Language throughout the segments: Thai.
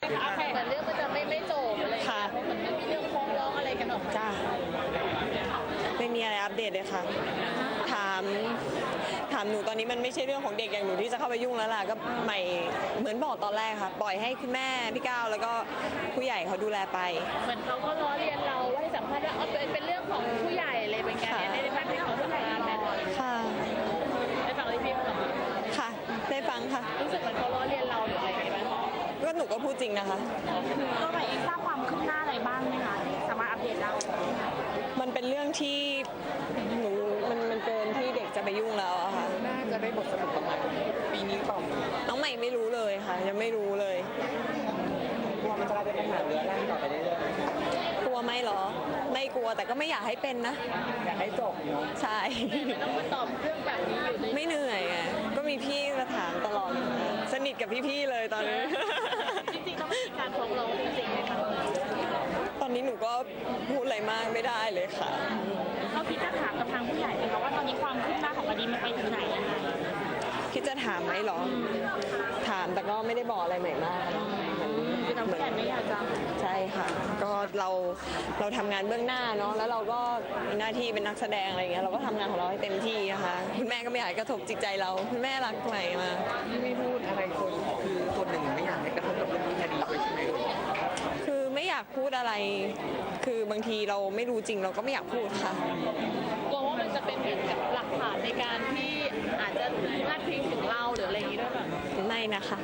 เหมือนเรื่องมันจะไม่จบอะไรค่ะเหมือนมันมีเรื่องฟ้องร้องอะไรกันออกมาจ้าไม่มีอะไรอัปเดตเลยค่ะถามหนูตอนนี้มันไม่ใช่เรื่องของเด็กอย่างหนูที่จะเข้าไปยุ่งแล้วล่ะก็ใหม่เหมือนบอกตอนแรกค่ะปล่อยให้คุณแม่พี่ก้าวแล้วก็ผู้ใหญ่เขาดูแลไปเหมือนเขาก็ล้อเลียนเราให้สัมภาษณ์ว่าเป็นเรื่องของผู้ใหญ่เลยเป็นไงได้ฟังเป็นของผู้ใหญ่ไหมค่ะได้ฟังอะไรพี่เขาบอกค่ะได้ฟังค่ะรู้สึกเหมือนเขาล้อเลียนเราหรืออะไรอย่างเงี้ยก็หนูก็พูดจริงนะคะตัวใหม่เองทราบความคืบหน้าอะไรบ้างไหมคะที่สามารถอัปเดตได้มันเป็นเรื่องที่หนูมันเกินที่เด็กจะไปยุ่งแล้วอะค่ะน่าจะได้บทสรุปประมาณปีนี้ต่อน้องใหม่ไม่รู้เลยค่ะยังไม่รู้เลยกลัวมันจะกลายเป็นปัญหาเรื้อรังต่อไปเรื่อยๆกลัวไหมเหรอไม่กลัวแต่ก็ไม่อยากให้เป็นนะอยากให้จบเนาะใช่ต้องมาตอบเรื่องแบบนี้อยู่ไม่เหนื่อยไงก็มีพี่มาถามตลอดสนิทกับพี่ๆเลยตอนนี้จริงๆต้องมีการฟ้องร้องจริงๆไหมคะตอนนี้หนูก็พูดอะไรมากไม่ได้เลยค่ะเขาคิดจะถามกับทางผู้ใหญ่ไหมคะว่าตอนนี้ความคืบหน้าของคดีมันไปถึงไหนยังไงคิดจะถามไหมหรอถามแต่ก็ไม่ได้บอกอะไรใหม่มากคือทางผู้ใหญ่ไม่อยากจะใช่ค่ะก็เราทำงานเบื้องหน้าเนาะแล้วเราก็มีหน้าที่เป็นนักแสดงอะไรเงี้ยเราก็ทำงานของเราให้เต็มที่นะคะคุณแม่ก็ไม่อยากกระทบจิตใจเราคุณแม่รักใหม่มาไม่พูดอะไรคนคือคนหนึ่งไม่อยากให้กระทบกับเรื่องคดีด้วยใช่ไหมคือไม่อยากพูดอะไรคือบางทีเราไม่รู้จริงเราก็ไม่อยากพูดค่ะกลัวว่ามันจะเป็นเหมือนกับหลักฐานในการที่อาจจะพาดพิงถึงเราหรืออะไรอย่างนี้ด้วยแบบไม่นะคะ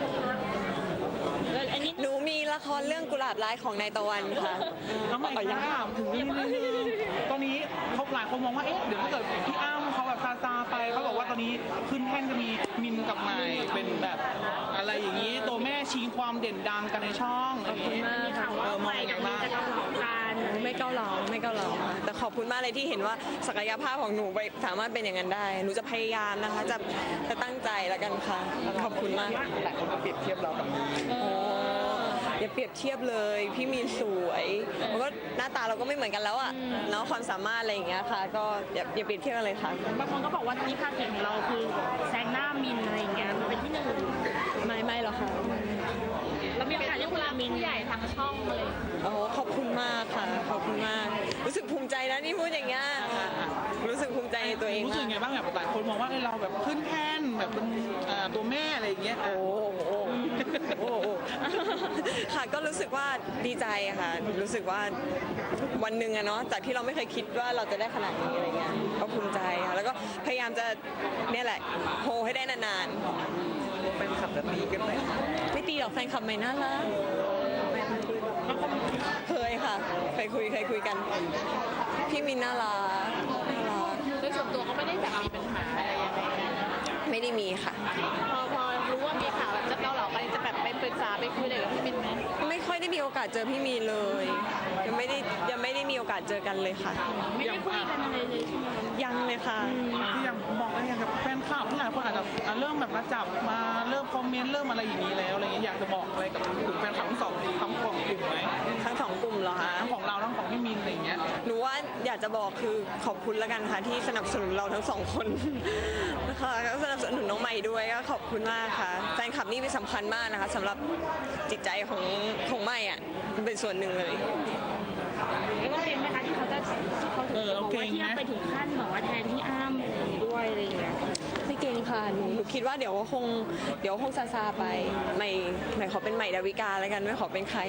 หนูมีละครเรื่องกุหลาบร้ายของนายตะวันค่ะน้องใหม่อยากถามถึงนี่นิดนึงตอนนี้เขาหลายคนมองว่าเอ๊ะเดี๋ยวถ้าเกิดพี่อ้ำเขาแบบซาไปเขาบอกว่าตอนนี้ขึ้นแท่นจะมีมินกับใหม่เป็นแบบอะไรอย่างนี้ตัวแม่ชิงความเด่นดังกันในช่องอะไรอย่างนี้มองอย่างไรไม่เก้าหลองแต่ขอบคุณมากเลยที่เห็นว่าศักยภาพของหนูสามารถเป็นอย่างนั้นได้หนูจะพยายามนะคะจะตั้งใจแล้วกันค่ะขอบคุณมากหลายคนก็เปรียบเทียบเรากับมินอย่าเปรียบเทียบเลยพี่มีนสวยแล้วก็หน้าตาเราก็ไม่เหมือนกันแล้วอ่ะเนาะความสามารถอะไรอย่างเงี้ยค่ะก็อย่าเปรียบเทียบกันเลยค่ะบางคนก็บอกว่านี่ค่าเก่งของเราคือแซงหน้ามินอะไรอย่างเงี้ยมันเป็นที่หนึ่งไม่หรอกค่ะแล้วมีโอกาสได้คุยกับมินใหญ่ทางช่องเลยโอ้ขอบคุณมากค่ะขอบคุณมากรู้สึกภูมิใจนะนี่พูดอย่างเงี้ยรู้สึกภูมิใจในตัวเองรู้สึกไงบ้างแบบหลายคนมองว่าเราแบบขึ้นแท่นแบบเป็นตัวแม่อะไรอย่างเงี้ยโอ้ค่ะก็รู้สึกว่าดีใจค่ะรู้สึกว่าวันหนึ่งอะเนาะจากที่เราไม่เคยคิดว่าเราจะได้ขนาดนี้อะไรเงี้ยก็ภูมิใจค่ะแล้วก็พยายามจะเนี่ยแหละโฮให้ได้นานๆแฟนคลับจะตีกันไหมไม่ตีหรอกแฟนคลับไม่น่ารักเคยค่ะเคยคุยกันพี่มินน่ารักโดยส่วนตัวเขาไม่ได้แบบมีปัญหาอะไรยังไงไม่ได้มีค่ะพอรู้ว่ามีข่าวแบบจะเกาเหลากันจะแบบไปปรึกษาไปคุยอะไรกับพี่มินไหมไม่ค่อยได้มีโอกาสเจอพี่มีเลยยังไม่ได้มีโอกาสเจอกันเลยค่ะไม่ได้คุยกันอะไรเลยใช่ไหมยังเลยค่ะที่ยังบอกอะไรอย่างกับแฟนคลับหลายคนอาจจะเริ่มแบบมาจับมาเริ่มคอมเมนต์เริ่มอะไรอย่างนี้แล้วอะไรอย่างเงี้ยอยากจะบอกอะไรกับกลุ่มแฟนคลับทั้งสองกลุ่มไหมทั้งสองกลุ่มเหรอคะทั้งของเราทั้งของพี่มินอะไรอย่างเงี้ยหนูว่าอยากจะบอกคือขอบคุณแล้วกันค่ะที่สนับสนุนเราทั้งสองคนนะคะแล้วสนับสนุนน้องใหม่ด้วยก็ขอบคุณมากค่ะแฟนคลับนี่เป็นสำคัญมากนะคะสำหรับจิตใจของใหม่อ่ะมันเป็นส่วนหนึ่งเลยไม่ว่าเป็นไหมคะที่เขาจะบอกว่าที่ไปถึงขั้นบอกว่าแทนที่อ้ำด้วยอะไรอย่างเงี้ยไม่เก่งค่ะหนูคิดว่าเดี๋ยวคงซาไปใหม่ขอเป็นใหม่ดาวิกาแล้วกันไม่ขอเป็นใคร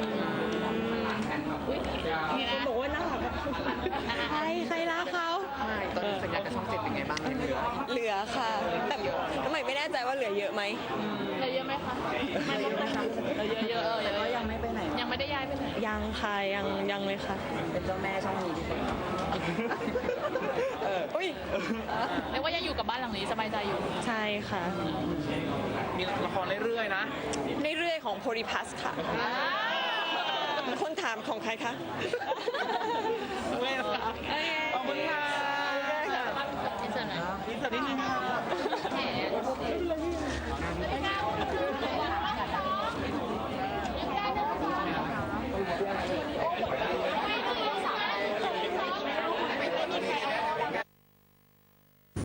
มีคนบอกว่าน่ารักใครรักเขาตอนนี้สัญญากับช่อง7เป็นไงบ้างเหลือค่ะแต่ใหม่ไม่แน่ใจว่าเหลือเยอะไหมเหลือเยอะไหมคะไม่ลดเลยค่ะเหลือเยอะก็ยังไม่ไปไหนยังไม่ได้ย้ายไปไหนยังค่ะยังเลยค่ะเป็นเจ้าแม่ช่องนี้ดีกว่าอุ้ยเรียกว่ายังอยู่กับบ้านหลังนี้สบายใจอยู่ใช่ค่ะมีละครเรื่อยๆนะเรื่อยๆของโพลิพัสค่ะคนถามของใครคะขอบคุณค่ะอินเสิร์ตนิดนึงค่ะ